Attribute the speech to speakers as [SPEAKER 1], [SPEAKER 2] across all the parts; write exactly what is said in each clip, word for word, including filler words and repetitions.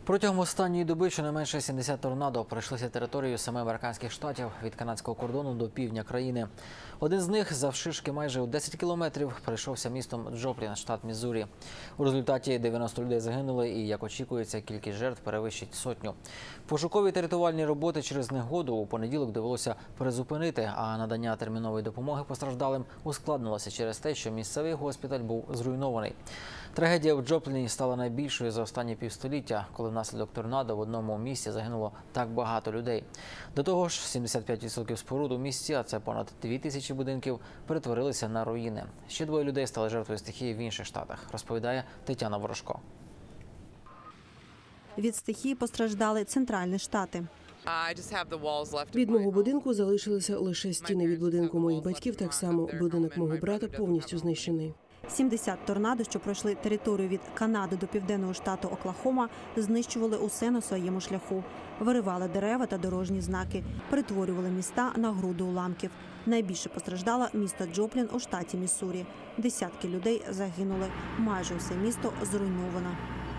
[SPEAKER 1] Протягом останньої доби щонайменше сімдесят торнадо пройшлися територією семи американських штатів від канадського кордону до півдня країни. Один з них завширшки майже у десять кілометрів пройшовся містом Джоплін, штат Міссурі. У результаті дев'яносто людей загинули і, як очікується, кількість жертв перевищить сотню. Пошукові та рятувальні роботи через негоду у понеділок довелося призупинити, а надання термінової допомоги постраждалим ускладнилося через те, що місцевий госпіталь був зруйнований. Трагедія в Джопліні стала найбільшою за останні півстоліття, коли внаслідок торнадо в одному місці загинуло так багато людей. До того ж, сімдесят п'ять відсотків споруд у місті, а це понад дві тисячі будинків, перетворилися на руїни. Ще двоє людей стали жертвою стихії в інших штатах, розповідає Тетяна Ворожко.
[SPEAKER 2] Від стихії постраждали центральні штати.
[SPEAKER 3] Від мого будинку залишилися лише стіни від будинку моїх батьків, так само будинок мого брата повністю знищений.
[SPEAKER 2] сімдесят торнадо, що пройшли територію від Канади до південного штату Оклахома, знищували усе на своєму шляху. Виривали дерева та дорожні знаки, перетворювали міста на груди уламків. Найбільше постраждало місто Джоплін у штаті Міссурі. Десятки людей загинули. Майже усе місто зруйновано.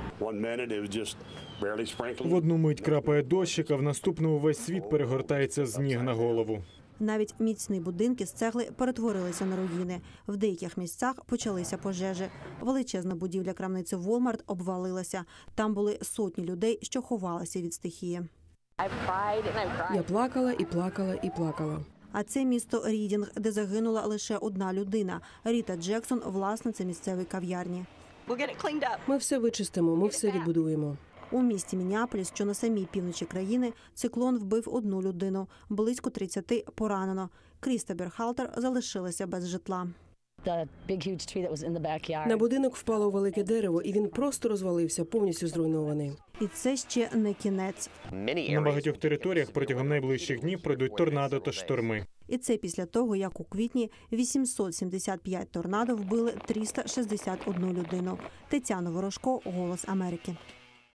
[SPEAKER 4] В одну мить крапає дощик, а в наступну весь світ перегортається з ніг на голову.
[SPEAKER 2] Навіть міцні будинки з цегли перетворилися на руїни. В деяких місцях почалися пожежі. Величезна будівля крамниці Walmart обвалилася. Там були сотні людей, що ховалися від стихії.
[SPEAKER 3] Я плакала і плакала і плакала.
[SPEAKER 2] А це місто Рідінг, де загинула лише одна людина. Ріта Джексон – власниця місцевої кав'ярні.
[SPEAKER 3] Ми все вичистимо, ми все відбудуємо.
[SPEAKER 2] У місті Міннеаполіс, що на самій півночі країни, циклон вбив одну людину. Близько тридцяти поранено. Кріста Берхалтер залишилася без житла.
[SPEAKER 3] На будинок впало велике дерево, і він просто розвалився, повністю зруйнований.
[SPEAKER 2] І це ще не кінець.
[SPEAKER 4] На багатьох територіях протягом найближчих днів пройдуть торнадо та шторми.
[SPEAKER 2] І це після того, як у квітні вісімсот сімдесят п'ять торнадо вбили триста шістдесят одну людину. Тетяна Ворожко, «Голос Америки».